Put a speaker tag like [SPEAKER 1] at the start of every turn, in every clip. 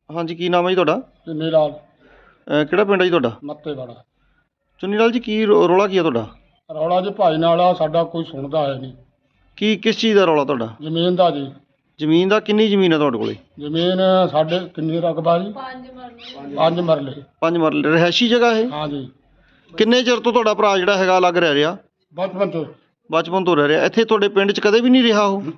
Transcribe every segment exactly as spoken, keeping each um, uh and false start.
[SPEAKER 1] ਹਾਂਜੀ, ਕੀ ਨਾਮ ਹੈ ਜੀ ਤੁਹਾਡਾ?
[SPEAKER 2] ਚੁੰਨੀ ਲਾਲ
[SPEAKER 1] ਅਹ ਕਿਹੜਾ ਪਿੰਡ ਹੈ ਜੀ ਤੁਹਾਡਾ?
[SPEAKER 2] ਮੱਤੇ ਵਾਲਾ।
[SPEAKER 1] ਚੁੰਨੀ ਲਾਲ ਜੀ, ਕੀ ਰੌ- ਰੌਲਾ ਕੀ ਹੈ ਤੁਹਾਡਾ?
[SPEAKER 2] ਰੌਲਾ ਜੀ ਭਾਈ ਨਾਲ ਆ, ਸਾਡਾ ਕੋਈ ਸੁਣਦਾ ਹੈ ਨਹੀਂ।
[SPEAKER 1] ਕੀ ਕਿਸ ਚੀਜ਼ ਦਾ ਰੌਲਾ ਤੁਹਾਡਾ?
[SPEAKER 2] ਜ਼ਮੀਨ ਦਾ ਜੀ।
[SPEAKER 1] ਜ਼ਮੀਨ ਦਾ? ਕਿੰਨੀ ਜ਼ਮੀਨ ਹੈ ਤੁਹਾਡੇ ਕੋਲੇ?
[SPEAKER 2] ਜ਼ਮੀਨ ਸਾਡੇ ਕਿੰਨੀ ਰਕਬਾ ਜੀ? ਪੰਜ ਮਰਲੇ।
[SPEAKER 1] ਪੰਜ ਮਰਲੇ ਰਿਹਾਇਸ਼ੀ ਜਗ੍ਹਾ ਇਹ?
[SPEAKER 2] ਹਾਂ ਜੀ।
[SPEAKER 1] ਕਿੰਨੇ ਚਿਰ ਤੋਂ ਤੁਹਾਡਾ ਭਰਾ ਜਿਹੜਾ ਹੈਗਾ ਅਲੱਗ ਰਹਿ ਰਿਹਾ?
[SPEAKER 2] ਬਚਪਨ ਤੋਂ।
[SPEAKER 1] ਬਚਪਨ ਤੋਂ ਰਹਿ ਰਿਹਾ ਇੱਥੇ ਤੁਹਾਡੇ ਪਿੰਡ 'ਚ? ਕਦੇ ਵੀ ਨਹੀਂ ਰਿਹਾ ਉਹ?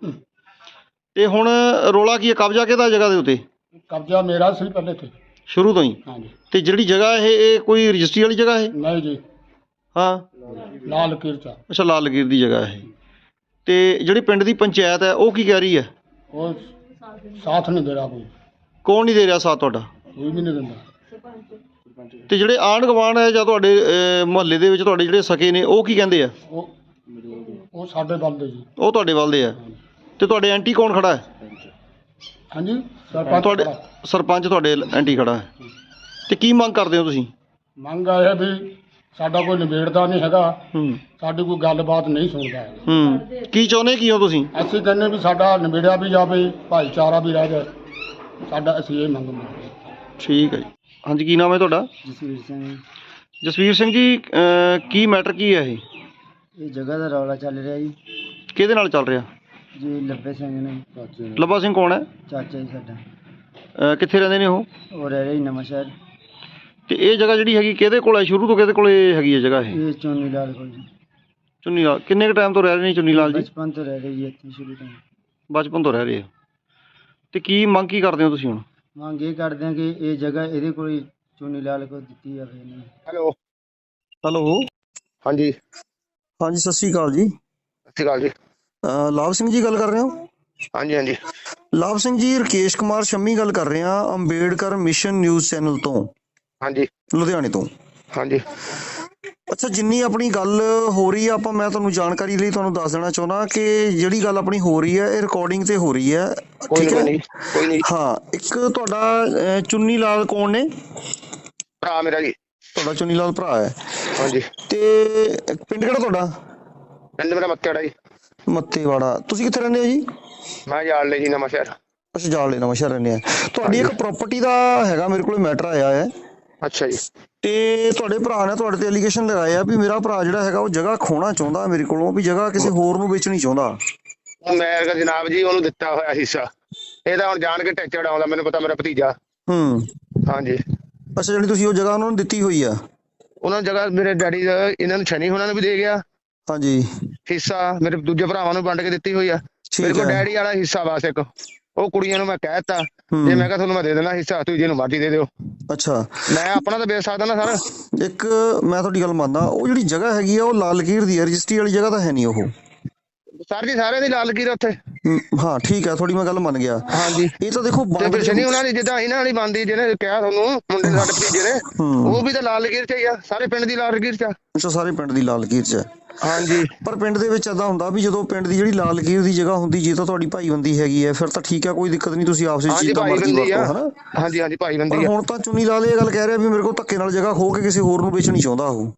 [SPEAKER 1] ਤੇ ਹੁਣ ਰੌਲਾ ਕੀ ਹੈ? ਕਬਜ਼ਾ ਕਿਹਦਾ ਜਗ੍ਹਾ ਦੇ ਉੱਤੇ?
[SPEAKER 2] ਕਬਜ਼ਾ ਮੇਰਾ ਸੀ ਪਹਿਲੇ ਤੇ।
[SPEAKER 1] ਸ਼ੁਰੂ ਤੋਂ ਹੀ?
[SPEAKER 2] ਹਾਂ ਜੀ।
[SPEAKER 1] ਤੇ ਜਿਹੜੀ ਜਗ੍ਹਾ ਇਹ ਇਹ ਕੋਈ ਰਜਿਸਟਰੀ ਵਾਲੀ ਜਗ੍ਹਾ ਇਹ?
[SPEAKER 2] ਨਹੀਂ ਜੀ,
[SPEAKER 1] ਹਾਂ,
[SPEAKER 2] ਲਾਲ ਲਕੀਰ ਚ।
[SPEAKER 1] ਅੱਛਾ, ਲਾਲ ਲਕੀਰ ਦੀ ਜਗ੍ਹਾ ਇਹ। ਤੇ ਜਿਹੜੀ ਪਿੰਡ ਦੀ ਪੰਚਾਇਤ ਹੈ ਉਹ ਕੀ ਕਹਿ ਰਹੀ ਹੈ?
[SPEAKER 2] ਉਹ ਸਾਥ ਨਹੀਂ ਦੇ ਰਿਹਾ ਕੋਈ।
[SPEAKER 1] ਕੌਣ ਨਹੀਂ ਦੇ ਰਿਹਾ ਸਾਥ ਤੁਹਾਡਾ?
[SPEAKER 2] ਕੋਈ ਵੀ ਨਹੀਂ ਦਿੰਦਾ।
[SPEAKER 1] ਤੇ ਜਿਹੜੇ ਆਂਢ ਗੁਆਂਢ ਹੈ ਜਾਂ ਤੁਹਾਡੇ ਮੁਹੱਲੇ ਦੇ ਵਿੱਚ ਤੁਹਾਡੇ ਜਿਹੜੇ ਸਕੇ ਨੇ ਉਹ ਕੀ ਕਹਿੰਦੇ ਆ?
[SPEAKER 2] ਉਹ ਉਹ ਸਾਡੇ ਵੱਲ ਦੇ ਜੀ।
[SPEAKER 1] ਉਹ ਤੁਹਾਡੇ ਵੱਲ ਦੇ ਆ। ਤੇ ਤੁਹਾਡੇ ਐਂਟੀ ਕੌਣ ਖੜਾ ਹੈ?
[SPEAKER 2] ਹਾਂਜੀ, ਸਰਪੰਚ
[SPEAKER 1] ਤੁਹਾਡੇ
[SPEAKER 2] ਖੜਾ।
[SPEAKER 1] ਸਰਪੰਚ ਤੁਹਾਡੇ ਐਂਟੀ ਖੜਾ ਹੈ। ਤੇ ਕੀ ਮੰਗ ਕਰਦੇ ਹੋ ਤੁਸੀਂ?
[SPEAKER 2] ਮੰਗ ਇਹ ਹੈ ਵੀ ਸਾਡਾ ਕੋਈ ਨਿਬੇੜਦਾ ਨਹੀਂ ਹੈਗਾ।
[SPEAKER 1] ਹੂੰ
[SPEAKER 2] ਸਾਡੀ ਕੋਈ ਗੱਲਬਾਤ ਨਹੀਂ ਸੁਣਦਾ ਹੈ।
[SPEAKER 1] ਹੂੰ ਕੀ ਚਾਹੁੰਦੇ ਕੀ ਹੋ ਤੁਸੀਂ?
[SPEAKER 2] ਅਸੀਂ ਕਹਿੰਦੇ ਵੀ ਸਾਡਾ ਨਿਬੇੜਿਆ ਵੀ ਜਾਵੇ, ਭਾਈਚਾਰਾ ਵੀ ਰਹਿ ਜਾਏ ਸਾਡਾ। ਅਸੀਂ ਇਹ ਮੰਗ ਮੰਗਦੇ।
[SPEAKER 1] ਠੀਕ ਹੈ ਜੀ। ਹਾਂਜੀ, ਕੀ ਨਾਮ ਹੈ ਤੁਹਾਡਾ?
[SPEAKER 3] ਜਸਵੀਰ ਸਿੰਘ।
[SPEAKER 1] ਜਸਵੀਰ ਸਿੰਘ ਜੀ, ਅਹ ਕੀ ਮੈਟਰ ਕੀ ਹੈ ਇਹ?
[SPEAKER 3] ਇਹ ਜਗ੍ਹਾ ਦਾ ਰੌਲਾ ਚੱਲ ਰਿਹਾ ਜੀ।
[SPEAKER 1] ਕਿਹਦੇ ਨਾਲ ਚੱਲ ਰਿਹਾ
[SPEAKER 3] ਜੀ ਲੱਭੇ ਸਿੰਘ ਨੇ।
[SPEAKER 1] ਲੱਭਾ ਸਿੰਘ ਕੌਣ ਹੈ?
[SPEAKER 3] ਚਾਚਾ ਜੀ ਸਾਡਾ।
[SPEAKER 1] ਅਹ ਕਿੱਥੇ ਰਹਿੰਦੇ ਨੇ ਉਹ?
[SPEAKER 3] ਉਹ ਰਹਿ ਰਿਹਾ ਜੀ ਨਵਾਂ ਸ਼ਹਿਰ।
[SPEAKER 1] ਤੇ ਇਹ ਜਗ੍ਹਾ ਜਿਹੜੀ ਹੈਗੀ ਕਿਹਦੇ ਕੋਲ ਹੈ? ਸ਼ੁਰੂ ਤੋਂ ਕਿਹਦੇ ਕੋਲੇ ਹੈਗੀ ਹੈ ਜਗ੍ਹਾ ਇਹ?
[SPEAKER 3] ਇਹ ਚੁੰਨੀ ਲਾਲ ਕੋਲ ਜੀ।
[SPEAKER 1] ਚੁੰਨੀ ਲਾਲ ਕਿੰਨੇ ਕੁ ਟਾਈਮ ਤੋਂ ਰਹਿ ਰਹੇ ਨੇ ਚੁੰਨੀ ਲਾਲ ਜੀ?
[SPEAKER 3] ਬਚਪਨ ਤੋਂ ਰਹਿ ਰਹੇ ਜੀ ਇੱਥੇ ਸ਼ੁਰੂ ਤੋਂ।
[SPEAKER 1] ਬਚਪਨ ਤੋਂ ਰਹਿ ਰਹੇ ਆ। ਤੇ ਕੀ ਮੰਗ ਕੀ ਕਰਦੇ ਹੋ ਤੁਸੀਂ ਹੁਣ?
[SPEAKER 3] ਮੰਗ ਇਹ ਕਰਦੇ ਹਾਂ ਕਿ ਇਹ ਜਗ੍ਹਾ ਇਹਦੇ ਕੋਲ ਹੀ ਚੁੰਨੀ ਲਾਲ ਕੋਲ ਦਿੱਤੀ ਜਾਵੇ ਇਹਨੂੰ।
[SPEAKER 2] ਹੈਲੋ।
[SPEAKER 1] ਹੈਲੋ।
[SPEAKER 2] ਹਾਂਜੀ,
[SPEAKER 1] ਹਾਂਜੀ, ਸਤਿ ਸ਼੍ਰੀ ਅਕਾਲ ਜੀ।
[SPEAKER 2] ਸਤਿ ਸ਼੍ਰੀ ਅਕਾਲ ਜੀ।
[SPEAKER 1] ਅਹ ਲਾਭ ਸਿੰਘ ਜੀ ਗੱਲ ਕਰ ਰਹੇ ਹੋ?
[SPEAKER 2] ਹਾਂਜੀ ਹਾਂਜੀ।
[SPEAKER 1] ਲਾਭ ਸਿੰਘ ਜੀ, ਰਕੇਸ਼ ਕੁਮਾਰ ਸ਼ੰਮੀ ਗੱਲ ਕਰ ਰਹੇ ਹਾਂ, ਅੰਬੇਡਕਰ ਮਿਸ਼ਨ ਨਿਊਜ਼ ਚੈਨਲ ਤੋਂ,
[SPEAKER 2] ਹਾਂਜੀ
[SPEAKER 1] ਲੁਧਿਆਣੇ ਤੋਂ।
[SPEAKER 2] ਹਾਂਜੀ।
[SPEAKER 1] ਅੱਛਾ, ਜਿੰਨੀ ਆਪਣੀ ਗੱਲ ਹੋ ਰਹੀ ਆ, ਆਪਾਂ ਮੈਂ ਤੁਹਾਨੂੰ ਜਾਣਕਾਰੀ ਲਈ ਤੁਹਾਨੂੰ ਦੱਸ ਦੇਣਾ ਚਾਹੁੰਦਾ ਕਿ ਜਿਹੜੀ ਗੱਲ ਆਪਣੀ ਹੋ ਰਹੀ ਹੈ ਇਹ ਰਿਕਾਰਡਿੰਗ ਤੇ ਹੋ ਰਹੀ ਹੈ।
[SPEAKER 2] ਕੋਈ
[SPEAKER 1] ਠੀਕ ਹੈ?
[SPEAKER 2] ਨਹੀਂ, ਕੋਈ ਨਹੀਂ।
[SPEAKER 1] ਹਾਂ, ਇੱਕ ਤੁਹਾਡਾ ਅਹ, ਚੁੰਨੀ ਲਾਲ ਕੌਣ ਨੇ?
[SPEAKER 2] ਭਰਾ ਮੇਰਾ ਜੀ।
[SPEAKER 1] ਤੁਹਾਡਾ ਚੁੰਨੀ ਲਾਲ ਭਰਾ ਹੈ?
[SPEAKER 2] ਹਾਂਜੀ।
[SPEAKER 1] ਤੇ ਪਿੰਡ ਕਿਹੜਾ ਤੁਹਾਡਾ?
[SPEAKER 2] ਪਿੰਡ ਮੇਰਾ ਮੱਤੇਵਾੜਾ ਜੀ।
[SPEAKER 1] ਮੱਤੇਵਾੜਾ। ਤੁਸੀਂ ਕਿੱਥੇ ਰਹਿੰਦੇ ਹੋ ਜੀ?
[SPEAKER 2] ਮੈਂ ਜਾਲ ਲਈ ਜੀ ਨਵਾਂ ਸ਼ਹਿਰ।
[SPEAKER 1] ਅੱਛਾ, ਜਾਲ ਨਵਾਂ ਸ਼ਹਿਰ ਰਹਿੰਦੇ ਆ। ਤੁਹਾਡੀ ਇੱਕ ਪ੍ਰਾਪਰਟੀ ਦਾ ਹੈਗਾ ਮੇਰੇ ਕੋਲ ਮੈਟਰ ਆਇਆ ਹੈ।
[SPEAKER 2] ਅੱਛਾ ਜੀ।
[SPEAKER 1] ਤੇ ਤੁਹਾਡੇ ਭਰਾ ਨੇ ਤੁਹਾਡੇ ਤੇ ਐਲੀਗੇਸ਼ਨ ਲਗਾਏ ਆ ਵੀ ਮੇਰਾ ਭਰਾ ਜਿਹੜਾ ਹੈਗਾ ਉਹ ਜਗ੍ਹਾ ਖੋਣਾ ਚਾਹੁੰਦਾ ਮੇਰੇ ਕੋਲੋਂ, ਵੀ ਜਗ੍ਹਾ ਕਿਸੇ ਹੋਰ ਨੂੰ ਵੇਚਣੀ ਚਾਹੁੰਦਾ।
[SPEAKER 2] ਉਹ ਮੈਂ ਕਿਹਾ ਜਨਾਬ ਜੀ ਉਹਨੂੰ ਦਿੱਤਾ ਹੋਇਆ ਹਿੱਸਾ। ਇਹ ਤਾਂ ਹੁਣ ਜਾਣ ਕੇ ਟੈਚੜ ਆਉਂਦਾ, ਮੈਨੂੰ ਪਤਾ ਮੇਰਾ ਭਤੀਜਾ।
[SPEAKER 1] ਹੂੰ।
[SPEAKER 2] ਹਾਂਜੀ।
[SPEAKER 1] ਅੱਛਾ, ਜਿਹੜੀ ਤੁਸੀਂ ਉਹ ਜਗ੍ਹਾ ਉਹਨਾਂ ਨੂੰ ਦਿੱਤੀ ਹੋਈ ਆ?
[SPEAKER 2] ਉਹਨਾਂ ਜਗ੍ਹਾ ਮੇਰੇ ਡੈਡੀ ਦਾ ਇਹਨਾਂ ਨੂੰ ਛਣੀ ਹੋਣਾ ਨੂੰ ਵੀ ਦੇ ਗਿਆ
[SPEAKER 1] ਹਾਂਜੀ।
[SPEAKER 2] ਹਿੱਸਾ, ਮੇਰੇ ਦੂਜੇ ਭਰਾਵਾਂ ਨੂੰ ਵੰਡ ਕੇ ਦਿੱਤੀ ਹੋਈ ਆ। ਮੇਰੇ ਕੋਲ ਡੈਡੀ ਵਾਲਾ ਹਿੱਸਾ ਬਸ ਇੱਕ। ਉਹ ਕੁੜੀਆਂ ਨੂੰ ਮੈਂ ਕਹਿ ਦਿੱਤਾ ਜੇ ਮੈਂ ਕਿਹਾ ਤੁਹਾਨੂੰ ਮੈਂ ਦੇ ਦੇਣਾ ਹਿੱਸਾ, ਤੁਸੀਂ ਜਿਹਨੂੰ ਮਰਜ਼ੀ ਦੇ ਦਿਓ।
[SPEAKER 1] ਅੱਛਾ,
[SPEAKER 2] ਮੈਂ ਆਪਣਾ ਤਾਂ ਵੇਚ ਸਕਦਾ ਨਾ ਸਰ।
[SPEAKER 1] ਇੱਕ ਮੈਂ ਤੁਹਾਡੀ ਗੱਲ ਮੰਨਦਾ, ਉਹ ਜਿਹੜੀ ਜਗ੍ਹਾ ਹੈਗੀ ਆ ਉਹ ਲਾਲ ਲਕੀਰ ਦੀ ਹੈ, ਰਜਿਸਟਰੀ ਵਾਲੀ ਜਗ੍ਹਾ ਤਾਂ ਹੈ ਨਹੀਂ ਉਹ।
[SPEAKER 2] ਸਰ ਜੀ ਸਾਰਿਆਂ ਦੀ ਲਾਲ ਲਕੀਰ ਉੱਥੇ।
[SPEAKER 1] ਹਾਂ ਠੀਕ ਹੈ, ਤੁਹਾਡੀ ਮੈਂ ਗੱਲ ਮੰਨ ਗਿਆ।
[SPEAKER 2] ਹਾਂਜੀ।
[SPEAKER 1] ਇਹ ਤਾਂ ਦੇਖੋ
[SPEAKER 2] ਤੇ ਫਿਰ ਸ਼ਨੀ ਉਹਨਾਂ ਦੀ ਜਿੱਦਾਂ ਇਹਨਾਂ ਵਾਲੀ ਬਣਦੀ, ਜਿਹਨੇ ਕਿਹਾ ਤੁਹਾਨੂੰ ਮੁੰਡੇ ਨੇ ਸਾਡੇ ਭਤੀਜੇ ਨੇ, ਉਹ ਵੀ ਤਾਂ ਲਾਲ ਲਕੀਰ ਚ ਹੀ ਆ। ਸਾਰੇ ਪਿੰਡ ਦੀ ਲਾਲ ਲਕੀਰ ਚ ਆ।
[SPEAKER 1] ਅੱਛਾ, ਸਾਰੇ ਪਿੰਡ ਦੀ ਲਾਲ ਲਕੀਰ ਚ ਹੈ।
[SPEAKER 2] ਹਾਂਜੀ।
[SPEAKER 1] ਪਰ ਪਿੰਡ ਦੇ ਵਿੱਚ ਏਦਾਂ ਹੁੰਦਾ ਵੀ ਜਦੋਂ ਪਿੰਡ ਦੀ ਜਿਹੜੀ ਲਾਲ ਲਕੀਰ ਦੀ ਜਗ੍ਹਾ ਹੁੰਦੀ, ਜੇ ਤਾਂ ਤੁਹਾਡੀ ਭਾਈਬੰਦੀ ਹੈਗੀ ਹੈ ਫਿਰ ਤਾਂ ਠੀਕ ਹੈ, ਕੋਈ ਦਿੱਕਤ ਨਹੀਂ, ਤੁਸੀਂ ਆਪਸ ਵਿੱਚ ਜਿੱਦਾਂ ਮਰਜ਼ੀ ਵਰਤੋ, ਹਨਾ।
[SPEAKER 2] ਹਾਂਜੀ ਹਾਂਜੀ, ਭਾਈਬੰਦੀ ਆ।
[SPEAKER 1] ਹੁਣ ਤਾਂ ਚੁੰਨੀ ਲਾਲ ਇਹ ਗੱਲ ਕਹਿ ਰਿਹਾ ਵੀ ਮੇਰੇ ਕੋਲ ਧੱਕੇ ਨਾਲ ਜਗ੍ਹਾ ਖੋ ਕੇ ਕਿਸੇ ਹੋਰ ਨੂੰ ਵੇਚਣੀ ਚਾਹੁੰਦਾ ਉਹ।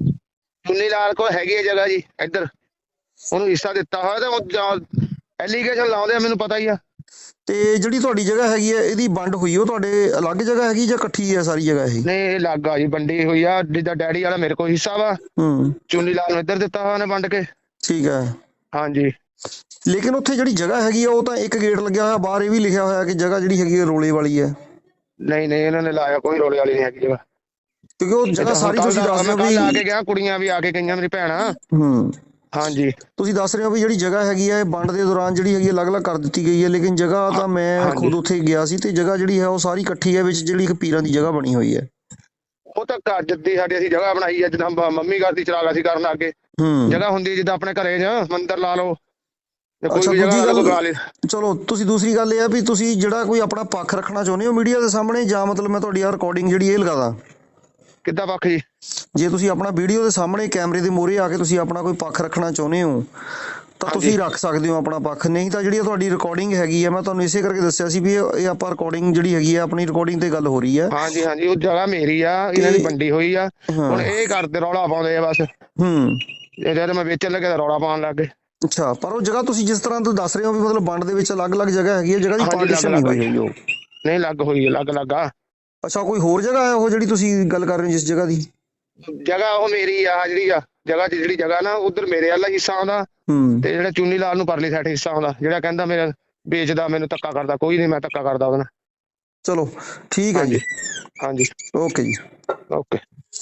[SPEAKER 2] ਚੁੰਨੀ ਲਾਲ ਕੋਲ ਹੈਗੀ ਹੈ ਜਗ੍ਹਾ ਜੀ ਇੱਧਰ, ਉਹਨੂੰ ਹਿੱਸਾ ਦਿੱਤਾ ਹੋਇਆ ਤੇ ਐਲੀਗੇਸ਼ਨ ਲਾਉਂਦੇ ਆ, ਮੈਨੂੰ ਪਤਾ ਹੀ ਆ।
[SPEAKER 1] ਤੇ ਜਿਹੜੀ ਤੁਹਾਡੀ ਜਗ੍ਹਾ ਹੈਗੀ ਹੈ ਇਹਦੀ ਵੰਡ ਹੋਈ ਉਹ ਤੁਹਾਡੇ ਅਲੱਗ ਜਗ੍ਹਾ ਹੈਗੀ ਜਾਂ ਇਕੱਠੀ ਹੈ ਸਾਰੀ ਜਗ੍ਹਾ ਇਹ?
[SPEAKER 2] ਨਹੀਂ, ਇਹ ਲੱਗ ਆ ਜੀ, ਵੰਡੀ ਹੋਈ ਆ। ਜਿੱਦਾਂ ਡੈਡੀ ਵਾਲਾ ਮੇਰੇ ਕੋਲ ਹਿੱਸਾ ਵਾ,
[SPEAKER 1] ਹੂੰ,
[SPEAKER 2] ਚੁੰਨੀ ਲਾਲ ਨੂੰ ਇੱਧਰ ਦਿੱਤਾ ਹੋਇਆ ਨੇ ਵੰਡ ਕੇ।
[SPEAKER 1] ਠੀਕ ਹੈ।
[SPEAKER 2] ਹਾਂਜੀ।
[SPEAKER 1] ਲੇਕਿਨ ਉੱਥੇ ਜਿਹੜੀ ਜਗ੍ਹਾ ਹੈਗੀ ਆ ਉਹ ਤਾਂ ਇੱਕ ਗੇਟ ਲੱਗਿਆ ਹੋਇਆ, ਬਾਹਰ ਇਹ ਵੀ ਲਿਖਿਆ ਹੋਇਆ ਕਿ ਜਗ੍ਹਾ ਜਿਹੜੀ ਹੈਗੀ ਹੈ ਰੋਲੇ ਵਾਲੀ ਹੈ।
[SPEAKER 2] ਨਹੀਂ ਨਹੀਂ, ਇਹਨਾਂ ਨੇ ਲਾਇਆ ਕੋਈ ਰੋਲੇ ਵਾਲੀ ਨਹੀਂ ਹੈਗੀ ਜਗ੍ਹਾ,
[SPEAKER 1] ਕਿਉਂਕਿ ਉਹ ਜਗ੍ਹਾ ਸਾਰੀ ਤੁਸੀਂ ਦੱਸ ਰਹੇ ਹੋ ਵੀ
[SPEAKER 2] ਆ ਕੇ ਗਿਆ, ਕੁੜੀਆਂ ਵੀ ਆ ਕੇ ਗਈਆਂ, ਮੇਰੀ ਭੈਣਾਂ।
[SPEAKER 1] ਹੂੰ।
[SPEAKER 2] ਹਾਂਜੀ।
[SPEAKER 1] ਤੁਸੀਂ ਦੱਸ ਰਹੇ ਹੋ ਵੀ ਜਿਹੜੀ ਜਗ੍ਹਾ ਹੈਗੀ ਹੈ ਵੰਡ ਦੇ ਦੌਰਾਨ ਜਿਹੜੀ ਹੈਗੀ ਅਲੱਗ-ਅਲੱਗ ਕਰ ਦਿੱਤੀ ਗਈ ਹੈ, ਲੇਕਿਨ ਜਗ੍ਹਾ ਤਾਂ ਮੈਂ ਖੁਦ ਉੱਥੇ ਗਿਆ ਸੀ ਤੇ ਜਗ੍ਹਾ ਜਿਹੜੀ ਹੈ ਉਹ ਸਾਰੀ ਇਕੱਠੀ ਹੈ, ਵਿੱਚ ਜਿਹੜੀ ਇੱਕ ਪੀਰਾਂ ਦੀ ਜਗ੍ਹਾ ਬਣੀ ਹੋਈ ਹੈ।
[SPEAKER 2] ਉਹ ਤਾਂ ਘਰ ਜੱਦੀ ਸਾਡੀ ਅਸੀਂ ਜਗ੍ਹਾ ਬਣਾਈ ਹੈ, ਜਿੱਦਾਂ ਮੰਮੀ ਕਰਦੀ ਚਰਾਗਾ ਸੀ ਕਰਨ ਅੱਗੇ ਜਗ੍ਹਾ ਹੁੰਦੀ ਜਿੱਦਾਂ ਆਪਣੇ ਘਰੇ ਜਾਂ ਮੰਦਿਰ ਲਾ ਲਓ, ਕੋਈ ਵੀ ਜਗ੍ਹਾ ਬਣਾ ਲਈ।
[SPEAKER 1] ਚਲੋ, ਤੁਸੀਂ ਦੂਸਰੀ ਗੱਲ ਇਹ ਹੈ ਵੀ ਤੁਸੀਂ ਜਿਹੜਾ ਕੋਈ ਆਪਣਾ ਪੱਖ ਰੱਖਣਾ ਚਾਹੁੰਦੇ ਹੋ ਮੀਡੀਆ ਦੇ ਸਾਹਮਣੇ, ਜਾਂ ਮਤਲਬ ਮੈਂ ਤੁਹਾਡੀ ਆ ਰਿਕਾਰਡਿੰਗ ਜਿਹੜੀ ਇਹ ਲਗਾਦਾ?
[SPEAKER 2] ਕਿੱਦਾਂ ਪੱਖ ਜੀ?
[SPEAKER 1] ਜੇ ਤੁਸੀਂ ਆਪਣਾ ਵੀਡੀਓ ਦੇ ਸਾਹਮਣੇ ਕੈਮਰੇ ਦੇ ਮੂਹਰੇ ਆ ਕੇ ਤੁਸੀਂ ਆਪਣਾ ਕੋਈ ਪੱਖ ਰੱਖਣਾ ਚਾਹੁੰਦੇ ਹੋ ਤਾਂ ਤੁਸੀਂ ਰੱਖ ਸਕਦੇ ਹੋ ਆਪਣਾ ਪੱਖ, ਨਹੀਂ ਤਾਂ ਜਿਹੜੀ ਤੁਹਾਡੀ ਰਿਕਾਰਡਿੰਗ ਹੈਗੀ ਹੈ, ਮੈਂ ਤੁਹਾਨੂੰ ਇਸੇ ਕਰਕੇ ਦੱਸਿਆ ਸੀ ਵੀ ਇਹ ਆਪਾਂ ਰਿਕਾਰਡਿੰਗ ਜਿਹੜੀ ਹੈਗੀ ਹੈ ਆਪਣੀ ਰਿਕਾਰਡਿੰਗ ਤੇ ਗੱਲ ਹੋ ਰਹੀ ਹੈ।
[SPEAKER 2] ਹਾਂਜੀ ਹਾਂਜੀ, ਉਹ ਜਗ੍ਹਾ ਮੇਰੀ ਆ, ਇਹਨਾਂ ਦੀ ਵੰਡੀ ਹੋਈ ਆ। ਹੁਣ ਇਹ ਕਰਦੇ ਰੌਲਾ ਪਾਉਂਦੇ ਆ ਬਸ।
[SPEAKER 1] ਹੂੰ।
[SPEAKER 2] ਇਹ ਜਦ ਮੈਂ ਵੇਚਣ ਲੱਗੇ ਤਾਂ ਰੌਲਾ ਪਾਉਣ ਲੱਗ ਗਏ।
[SPEAKER 1] ਅੱਛਾ, ਪਰ ਉਹ ਜਗ੍ਹਾ ਤੁਸੀਂ ਜਿਸ ਤਰ੍ਹਾਂ ਤੋਂ ਦੱਸ ਰਹੇ ਹੋ ਵੀ ਮਤਲਬ ਵੰਡ ਦੇ ਵਿੱਚ ਅਲੱਗ-ਅਲੱਗ ਜਗ੍ਹਾ ਹੈਗੀ ਹੈ, ਜਗ੍ਹਾ ਦੀ ਪਾਰਟੀਸ਼ਨ ਨਹੀਂ ਹੋਈ ਹੋਈ ਉਹ।
[SPEAKER 2] ਨਹੀਂ ਲੱਗ ਹੋਈ ਹੈ, ਲੱਗ ਲੱਗਾ।
[SPEAKER 1] ਅੱਛਾ, ਕੋਈ ਹੋਰ ਜਗ੍ਹਾ ਹੈ ਉਹ ਜਿਹੜੀ ਤੁਸੀਂ ਗੱਲ ਕਰ ਰਹੇ ਹੋ ਜਿਸ ਜਗ੍ਹਾ ਦੀ?
[SPEAKER 2] ਜਗ੍ਹਾ ਉਹ ਮੇਰੀ ਆ ਜਿਹੜੀ ਆ ਜਗ੍ਹਾ ਚ ਜਿਹੜੀ ਜਗ੍ਹਾ ਨਾ ਉਧਰ ਮੇਰੇ ਵਾਲਾ ਹਿੱਸਾ ਆਉਂਦਾ
[SPEAKER 1] ਹੂੰ
[SPEAKER 2] ਤੇ ਜਿਹੜਾ ਚੁੰਨੀ ਲਾਲ ਨੂੰ ਪਰਲੀ ਸਾਈਡ ਹਿੱਸਾ ਆਉਂਦਾ। ਜਿਹੜਾ ਕਹਿੰਦਾ ਮੇਰਾ ਵੇਚਦਾ, ਮੈਨੂੰ ਧੱਕਾ ਕਰਦਾ, ਕੋਈ ਨਹੀਂ, ਮੈਂ ਧੱਕਾ ਕਰਦਾ ਉਹਦੇ ਨਾਲ।
[SPEAKER 1] ਚਲੋ ਠੀਕ ਹੈ ਜੀ।
[SPEAKER 2] ਹਾਂਜੀ
[SPEAKER 1] ਓਕੇ ਜੀ।
[SPEAKER 2] ਓਕੇ।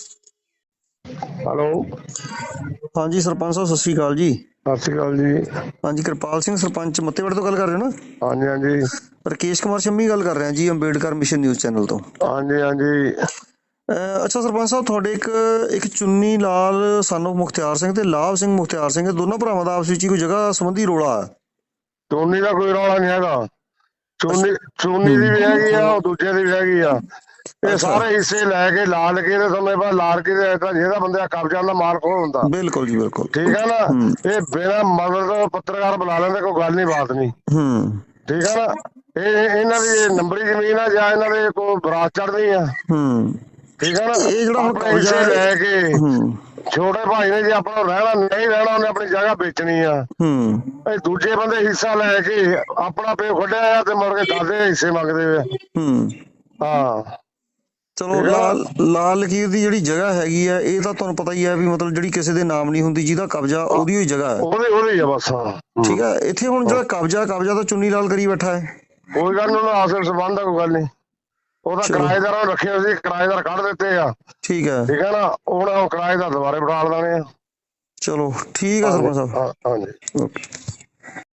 [SPEAKER 2] ਹੈਲੋ
[SPEAKER 1] ਹਾਂਜੀ ਸਰਪੰਚ ਸਾਹਿਬ, ਸਤਿ ਸ਼੍ਰੀ ਅਕਾਲ ਜੀ।
[SPEAKER 2] ਸਤਿ ਸ਼੍ਰੀ ਅਕਾਲ ਜੀ।
[SPEAKER 1] ਹਾਂਜੀ, ਕਿਰਪਾਲ ਸਿੰਘ ਸਰਪੰਚ ਮੱਤੇਵਾੜੇ ਤੋਂ ਗੱਲ ਕਰ ਰਹੇ ਹੋ ਨਾ?
[SPEAKER 2] ਹਾਂਜੀ ਹਾਂਜੀ
[SPEAKER 1] ਰਕੇਸ਼ ਕੁਮਾਰ ਸ਼ੰਮੀ ਗੱਲ ਕਰ ਰਿਹਾ ਜੀ, ਅੰਬੇਡਕਰ ਮਿਸ਼ਨ ਨਿਊਜ਼ ਚੈਨਲ ਤੋਂ।
[SPEAKER 2] ਹਾਂਜੀ ਹਾਂਜੀ
[SPEAKER 1] ਅਹ ਅੱਛਾ ਸਰਪੰਚ ਸਾਹਿਬ, ਤੁਹਾਡੇ ਇੱਕ ਇੱਕ ਚੁੰਨੀ ਲਾਲ ਸਾਨੂੰ ਮੁਖਤਿਆਰ ਸਿੰਘ ਤੇ ਲਾਭ ਸਿੰਘ ਮੁਖਤਿਆਰ ਸਿੰਘ, ਦੋਨਾਂ ਭਰਾਵਾਂ ਦਾ ਆਪਸ ਵਿੱਚ ਹੀ ਕੋਈ ਜਗ੍ਹਾ ਸੰਬੰਧੀ ਰੋਲਾ ਹੈ?
[SPEAKER 2] ਚੋਨੀ ਦਾ ਕੋਈ ਰੌਲਾ ਨਹੀਂ ਹੈਗਾ। ਚੋਨੀ ਚੋਨੀ ਦੀ ਵੀ ਹੈਗੀ ਆ, ਉਹ ਦੂਜੇ ਦੀ ਵੀ ਹੈਗੀ ਆ। ਇਹ ਸਾਰੇ ਹਿੱਸੇ ਲੈ ਕੇ ਲਾਲ ਕੇ ਤੇ ਸਮੇਂ ਬਾਅਦ ਲਾਲ ਕੇ ਜਿਹੜਾ ਬੰਦੇ ਦਾ ਕਬਜ਼ਾ ਹੁੰਦਾ ਮਾਲਕ ਉਹ ਹੁੰਦਾ।
[SPEAKER 1] ਬਿਲਕੁਲ ਜੀ ਬਿਲਕੁਲ।
[SPEAKER 2] ਠੀਕ ਹੈ ਨਾ। ਇਹ ਬਿਨਾਂ ਮਦਦ ਪੱਤਰਕਾਰ ਬੁਲਾ ਲੈਂਦੇ, ਕੋਈ ਗੱਲ ਨਹੀਂ, ਬਾਤ ਨਹੀਂ।
[SPEAKER 1] ਹੂੰ
[SPEAKER 2] ਠੀਕ ਹੈ ਨਾ। ਇਹ ਇਹਨਾਂ ਦੀ ਨੰਬਰੀ ਜ਼ਮੀਨ ਆ ਜਾਂ ਇਹਨਾਂ ਦੇ ਕੋਈ ਬਰਾਤ ਚੜ੍ਹਦੀ ਆ।
[SPEAKER 1] ਹੂੰ
[SPEAKER 2] ਠੀਕ ਹੈ ਨਾ।
[SPEAKER 1] ਇਹ ਜਿਹੜਾ ਹੁਣ
[SPEAKER 2] ਆਪਣੇ ਹਿੱਸੇ ਲੈ ਕੇ
[SPEAKER 1] ਹੂੰ
[SPEAKER 2] ਛੋਟੇ ਭਾਈ ਨੇ ਜੇ ਆਪਣਾ ਰਹਿਣਾ ਨਹੀਂ ਰਹਿਣਾ, ਉਹਨੇ ਆਪਣੀ ਜਗ੍ਹਾ ਵੇਚਣੀ ਆ।
[SPEAKER 1] ਹੂੰ
[SPEAKER 2] ਇਹ ਦੂਜੇ ਬੰਦੇ ਹਿੱਸਾ ਲੈ ਕੇ ਆਪਣਾ ਪਿਓ ਖੱਡਿਆ ਆ ਤੇ ਮੁੜ ਕੇ ਦਾਦੇ ਹਿੱਸੇ ਮੰਗਦੇ ਆ।
[SPEAKER 1] ਹੂੰ
[SPEAKER 2] ਹਾਂ
[SPEAKER 1] ਚਲੋ, ਲਾਲ ਲਾਲ ਲਕੀਰ ਦੀ ਜਿਹੜੀ ਜਗ੍ਹਾ ਹੈਗੀ ਆ, ਇਹ ਤਾਂ ਤੁਹਾਨੂੰ ਪਤਾ ਹੀ ਹੈ ਵੀ ਮਤਲਬ ਜਿਹੜੀ ਕਿਸੇ ਦੇ ਨਾਮ ਨਹੀਂ ਹੁੰਦੀ, ਜਿਹਦਾ ਕਬਜ਼ਾ ਉਹਦੀ ਹੋਈ ਜਗ੍ਹਾ ਹੈ।
[SPEAKER 2] ਉਹਦੀ ਉਹਦੀ ਆ ਬਸ। ਹਾਂ
[SPEAKER 1] ਠੀਕ ਹੈ। ਇੱਥੇ ਹੁਣ ਜਿਹੜਾ ਕਬਜ਼ਾ ਕਬਜ਼ਾ ਤਾਂ ਚੁੰਨੀ ਲਾਲ ਕਰੀ ਬੈਠਾ ਹੈ।
[SPEAKER 2] ਕੋਈ ਗੱਲ ਨੀ, ਉਹਦਾ ਆਸਰ ਸੰਬੰਧ ਆ, ਕੋਈ ਗੱਲ ਨਹੀਂ। ਉਹਦਾ ਕਿਰਾਏਦਾਰਾਂ ਨੂੰ ਰੱਖਿਆ ਸੀ, ਕਿਰਾਏਦਾਰ ਕੱਢ ਦਿੱਤੇ ਆ।
[SPEAKER 1] ਠੀਕ ਹੈ।
[SPEAKER 2] ਠੀਕ ਹੈ ਨਾ। ਹੁਣ ਉਹ ਕਿਰਾਏਦਾਰ ਦੁਬਾਰੇ ਬਿਠਾ ਦੇਣੇ ਆ।
[SPEAKER 1] ਚਲੋ ਠੀਕ ਹੈ ਸਰਪੰਚ ਸਾਹਿਬ।
[SPEAKER 2] ਹਾਂਜੀ
[SPEAKER 1] ਓਕੇ।